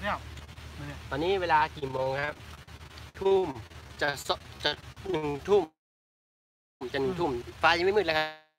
เนี่ยตอนนี้เวลากี่โมงครับทุ่มจะ1 ทุ่มจะ1 ทุ่มฟ้ายังไม่มืดเลย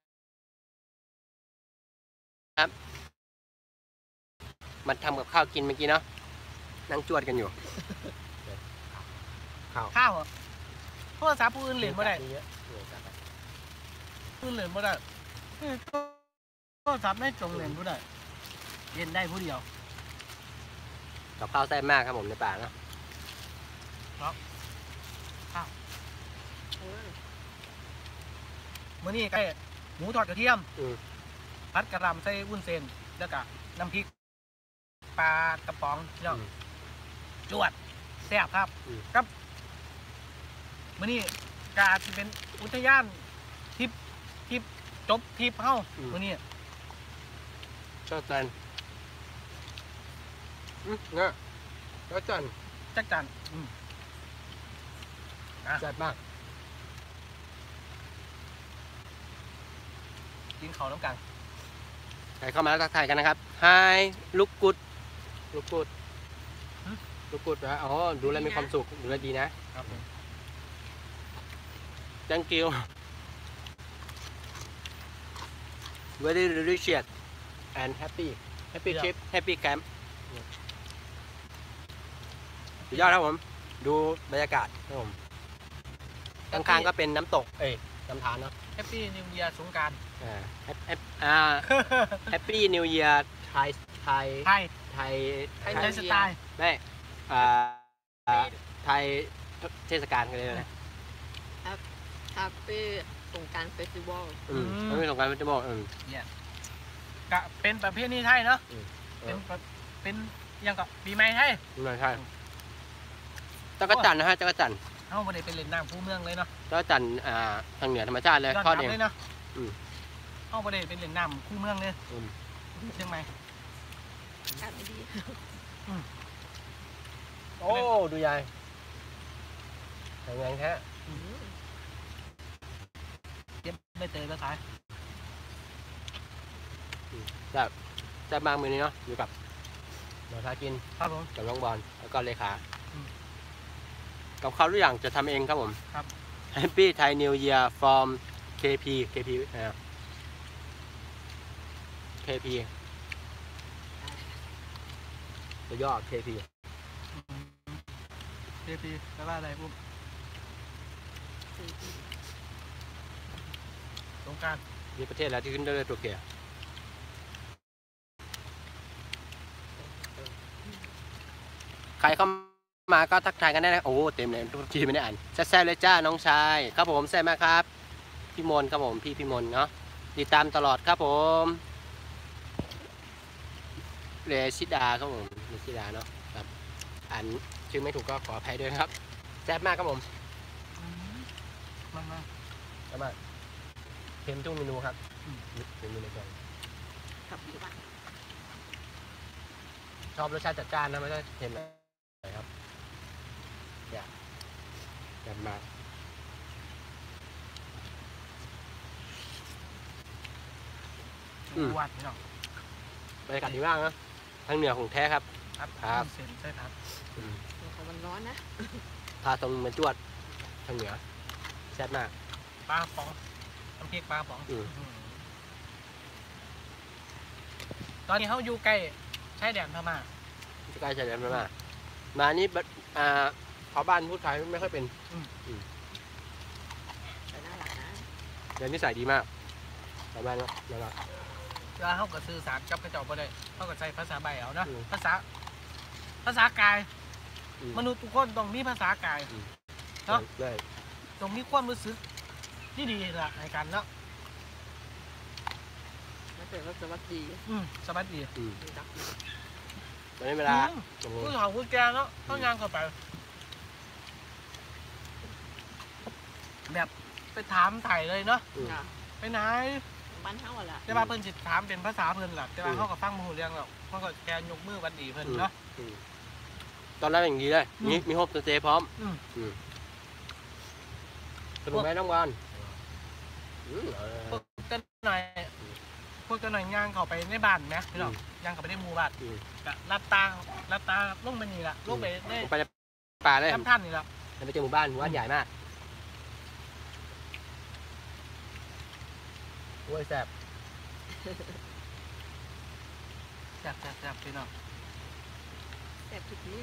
ครับมาทำกับข้าวกินเมื่อกี้เนาะนั่งจวดกันอยู่ข้าวโทรศัพท์ผู้อื่นเหรียญไม่ได้ผู้อื่นเหรียญไม่ได้โทรศัพท์ไม่จงเหรียญไม่ได้เรียนได้ผู้เดียวกับข้าวแซ่บมากครับผมในป่าเนาะมื้อนี้ใกล้หมูทอดกระเทียมผัดกระหล่ำใส่วุ้นเส้นแล้วก็น้ำพริกปลากระป๋องเนาะจวดแซ่บครับกับมื้อนี้กาจะเป็นอุทยานทิพจบทิพเฮ้ามื้อนี้ชอบจันเนี่ยชอบจันจักจันแซ่บมากกินข้าวน้ำกันใครเข้ามาแล้วทักทายกันนะครับ Hi ลูกกุดนะอ๋อดูแลมีความสุขดูแลดีนะครับ Thank you very delicious and happy trip happy camp สุดยอดครับผมดูบรรยากาศครับผมข้างๆก็เป็นน้ำตกน้ำธารเนาะ Happy New Year สงกรานต์ Happy New Year ไทยสไตล์ไม่ไทยเทศกาลกันเลยนะ Happy สงกรานต์เฟสติวัลไม่สงกรานต์เฟสติวัลเนี่ยก็เป็นประเพณีไทยเนาะเป็นยังกับปีใหม่ไทยใช่จักรจันนะฮะจักรจันเอ้าไม่ได้เป็นเล่นน้ำผู้เมืองเลยเนาะจักรจันทางเหนือธรรมชาติเลยทอดเองเนาะเอ้าไม่ได้เป็นเล่นน้ำคู่เมืองเลยเชียงใหม่ดีโอ้ดูยายแข็งแรงแท้เย็บไม่เตยแล้วขายแต่บางมือนี้เนาะอยู่กับหมอทากินครับผมกับน้องบอลแล้วก็เลขากับข้าวทุกอย่างจะทำเองครับผมครับ Happy Thai New Year from KP ตัวย่อ KP แปลว่าอะไรปุ๊บสงกรานต์มีประเทศอะไรที่ขึ้นด้วยตัวเกียร์ใครเข้ามาก็ทักทายกันได้นะโอ้เต็มเลยทุกทีไม่ได้อ่านแซ่บเลยจ้าน้องชายครับผมแซ่บมากครับพี่มนครับผมพี่มนเนาะติดตามตลอดครับผมเรชิดาครับผมเรชิดาเนาะครับอ่านชื่อไม่ถูกก็ขออภัยด้วยครับแซ่บมากครับผมมาแซ่บมากเค็มทุกเมนูครับเค็มเมนูเลยชอบรสชาติจัดจ้านนะไม่ใช่เค็มครับแซ่บมากวัดเนาะบรรยากาศดีมากนะทางเหนือของแท้ครับครับเส้นใช่ครับมันร้อนนะพาตรงมาจวดทางเหนือแซ่บมากปลาป๋องน้ำพริกปลาป๋องตอนนี้เขาอยู่ใกล้ชายแดนพม่าใกล้ชายแดนพม่ามานี่ชาวบ้านพูดไทยไม่ค่อยเป็นแต่น่ารักนะเดี๋ยวนิสัยดีมากชาวบ้านเนาะน่ารักแล้วเขาก็สื่อสารกับกระจกไปเลยเขาก็ใช้ภาษาใบเอานะภาษากายมนุษย์ทุกคนต้องมีภาษากายเนาะต้องมีความรู้สึกที่ดีแหละในการเนาะไม่เป็นว่าสวัสดีสวัสดีตอนนี้เวลาผู้สาวผู้แก่เนาะต้องงานเข้าไปแบบไปถามไถ่เลยเนาะไปไหนบ้านเฮาแหละแต่ว่าเพิ่นสิถามเป็นภาษาเพิ่นแหละแต่ว่าเขาก็ฟังบ่ฮู้เรื่องหรอกเขาก็แค่ยกมือวันดีเพิ่นเนาะตอนแรกอย่างนี้เลยมีโฮปสเตย์พร้อมสนุกไหมน้องบอลกันหน่อยพวกเจ้าหน่อยย่างเข้าไปในบ้านนะพี่น้องย่างเข้าไปในหมู่บ้านกะรับตาลงไปนี่ละลงไปได้ไปในป่าเลยท่านนี่ละไปเจอหมู่บ้านใหญ่มากโอ้ยแซ่บแซ่บพี่น้องแต่ผิดนี่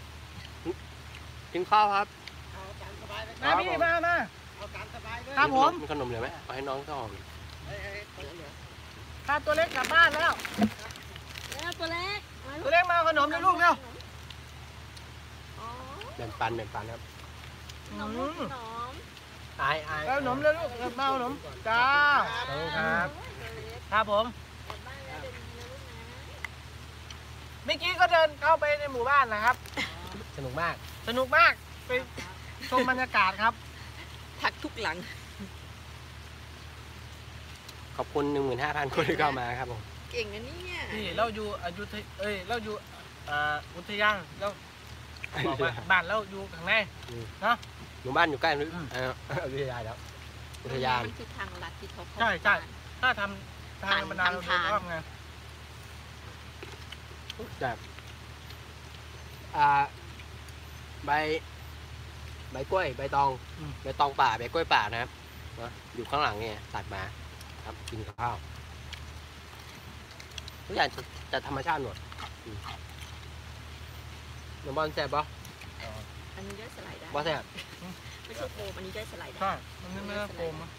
กินข้าวครับเอาตามสบายเลยมาพี่มาเอาตามสบายเลยครับผมมีขนมเหลือไหมเอาให้น้องก็หอมเฮ้ยเหลือพาตัวเล็กกลับบ้านแล้วแล้วตัวเล็กตัวเล็กมาเอาขนมเลยลูกเร็วอ๋อแบ่งปันครับขนมลูกขนมอายเอาขนมเลยลูกมาเอาขนมจ้าครับตัวเล็กครับผมกลับบ้านแล้วเดินดีนะลูกนะเมื่อกี้ก็เดินเข้าไปในหมู่บ้านนะครับสนุกมากสนุกมากไปชมบรรยากาศครับทักทุกหลังขอบคุณ 15,000 คนที่เข้ามาครับผมเก่งนะเนี่ยนี่เราอยู่อยุธยเราอยู่อุทยานเราบอกว่าบ้านเราอยู่ข้างในเนาะหมู่บ้านอยู่ใกล้อุทยานแล้วอุทยานมันคือทางลัดที่เขาเข้าใช่ถ้าทำทางธรรมดาเราเดินอ้อมไงแบบใบกล้วยใบตองป่าใบกล้วยป่านะครับอยู่ข้างหลังเนี่ยตัดมาครับกินกับข้าวทุกอย่างจะธรรมชาติหมดน้ำบอลแซ่บปะอันนี้ได้สไลด์ได้บอลแซ่บไม่ใช่โฟมอันนี้ได้สไลด์ได้ใช่มันไม่ได้โฟมนะ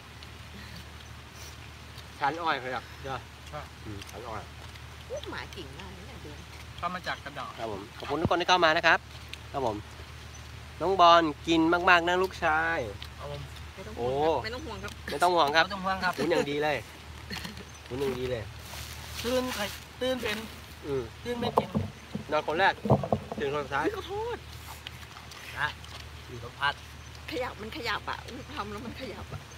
ชั้นอ้อยเขาอยากเด้อชั้นอ้อยโอ้หมาเก่งมากเนี่ยเดินทำมาจากกระดาษครับผมขอบคุณทุกคนที่เข้ามานะครับครับผมน้องบอลกินมากๆนะลูกชายเอาผมไม่ต้องห่วงครับไม่ต้องห่วงครับไม่ต้องห่วงครับหุนอย่างดีเลยหุนอย่างดีเลยตื่นเป็น ตื่นไม่กินนอนคนแรกตื่นคนสุดท้ายขอโทษอยู่สัมผัสขยับมันขยับอ่ะทำแล้วมันขยับอ่ะ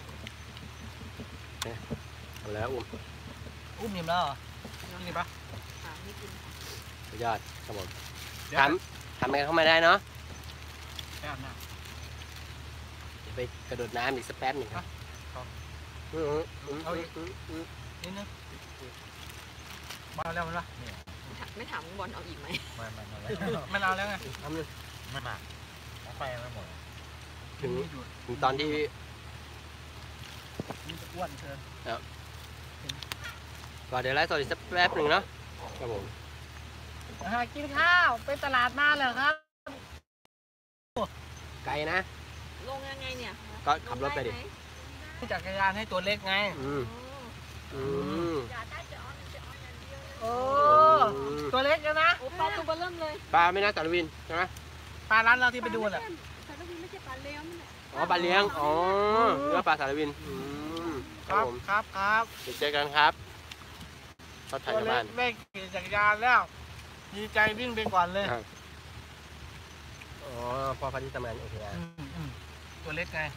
เอาแล้วอุ้มอุ้มอิ่มแล้วเหรอกินปะไม่กินสุดยอดครับผมเดี๋ยวทำกันเข้ามาได้เนาะไปอาบน้เดี๋ยวไปกระโดดน้ำอีกสักแป๊บหนึ่งครับครับเอาอีกำนิดนึงมาแล้วมันปะไม่ถามบอลเอาอีกไหมมันเอาแล้วไงทำเลยไม่มาเอาไปไม่หมดถึงตอนที่มันจะอ้วนเกินก่อนเดี๋ยวไลฟ์สดอีกสักแป๊บหนึ่งเนาะครับผมกินข้าวไปตลาดมาเหรอครับไกลนะลงยังไงเนี่ยก็ขับรถไปดิจักรยานให้ตัวเล็กไงอืมโอ้ตัวเล็กนะโอ้ปลาตัวเบอร์เริ่มเลยปลาไม่น่าสารวินใช่ไหมปลาร้านเราที่ไปดูแหละสารวินไม่ใช่ปลาเลี้ยงนี่แหละอ๋อปลาเลี้ยงอ๋อเนื้อปลาสารวินคครัรับบ ผมครับเดี๋ยวเจอกันครับชอบถ่ายตัวชาวเล็บ้าก นได้ขี่จักรยานแล้ว ดีใจวิ่งไปก่อนเลยอ๋อพ่อพันธุ์ทำงานโอเคนะตัวเล็กไง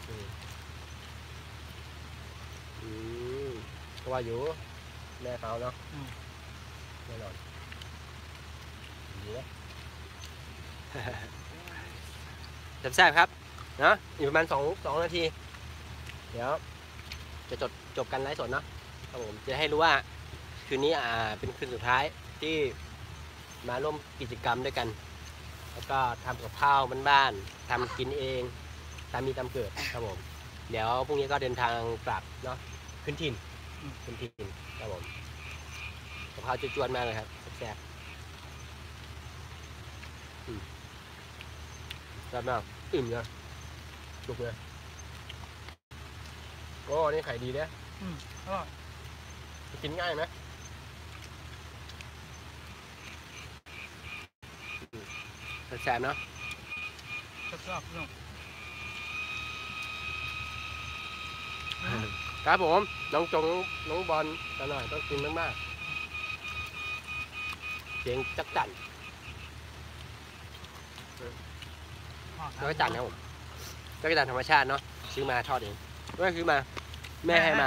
ก็ว่าอยู่แม่เขาเนาะแน่นอนดีนะ แซ่บๆครับเนาะอยู่ประมาณ2 นาที เดี๋ยวจะจบกันไลฟ์สดเนาะครับผมจะให้รู้ว่าคืนนี้เป็นคืนสุดท้ายที่มาร่วมกิจกรรมด้วยกัน แล้วก็ทำกับข้าวบ้านๆทำกินเองตามมีตามเกิดครับผมเดี๋ยวพรุ่งนี้ก็เดินทางกลับเนาะขึ้นถิ่นครับผมกับข้าวจวนๆมากเลยครับแซ่บแซ่บมากอิ่มเลยจุกเลยโอ้นี่ไข่ดีเนี่ยก็กินง่ายไหมแซ่บเนาะชอบเนาะครับผมน้องบอลกันหน่อยต้องกินมากๆเสียงจักจั่นจักจั่นนะผมจักจั่นธรรมชาติเนาะซื้อมาทอดเองไม่ซื้อมาแม่ให้มา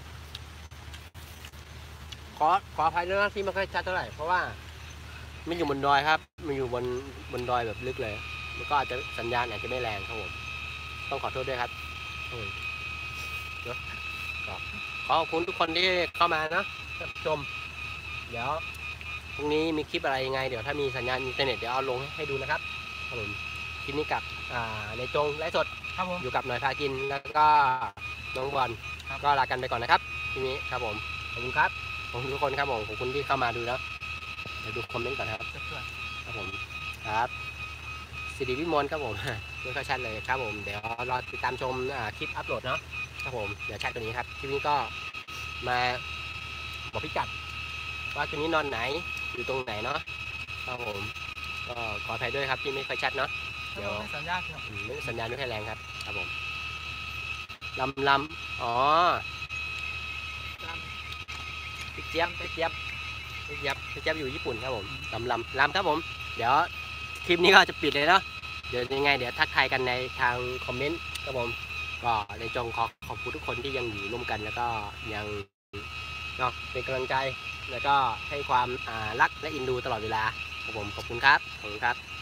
ขออภัยด้วยนะที่ไม่ค่อยชัดเท่าไหร่เพราะว่ามันอยู่บนดอยครับมันอยู่บนดอยแบบลึกเลยแล้วก็อาจจะสัญญาณอาจจะไม่แรงครับผมต้องขอโทษด้วยครับเนาะขอขอบคุณทุกคนที่เข้ามาเนาะรับชม เดี๋ยวพรุ่งนี้มีคลิปอะไรยังไงเดี๋ยวถ้ามีสัญญาณอินเทอร์เน็ตเดี๋ยวเอาลงให้ดูนะครับครับผมคลิปนี้กับในจงไลฟ์สดครับผมอยู่กับหน่อยพากินแล้วก็น้องบอลครับก็ลากันไปก่อนนะครับทีนี้ครับผมขอบคุณครับขอบคุณทุกคนครับผมขอบคุณที่เข้ามาดูแล้วเดี๋ยวดูคอมเมนต์ก่อนนะครับเพื่อนครับผมครับสิริวิมลครับผม ไม่ค่อยชัดเลยครับผมเดี๋ยวรอติดตามชมคลิปอัปโหลดเนาะครับผมเดี๋ยวชัดตัวนี้ครับคลิปนี้ก็มาบอกพิกัดว่าคืนนี้นอนไหนอยู่ตรงไหนเนาะครับผมก็ขออภัยด้วยครับที่ไม่ค่อยชัดเนาะๆเดี๋ยวไม่สัญญาณครับไม่สัญญาณไม่ค่อยแรงครับครับผมลำอ๋อลพี่เจี๊ยบอยู่ญี่ปุ่นครับผมลำครับผมเดี๋ยวคลิปนี้ก็จะปิดเลยเนาะเดี๋ยวยังไงเดี๋ยวทักทายกันในทางคอมเมนต์ครับผมก็ในจงขอบคุณทุกคนที่ยังอยู่ร่วมกันแล้วก็ยังเนาะเป็นกำลังใจแล้วก็ให้ความรักและอินดูตลอดเวลาครับผมขอบคุณครับ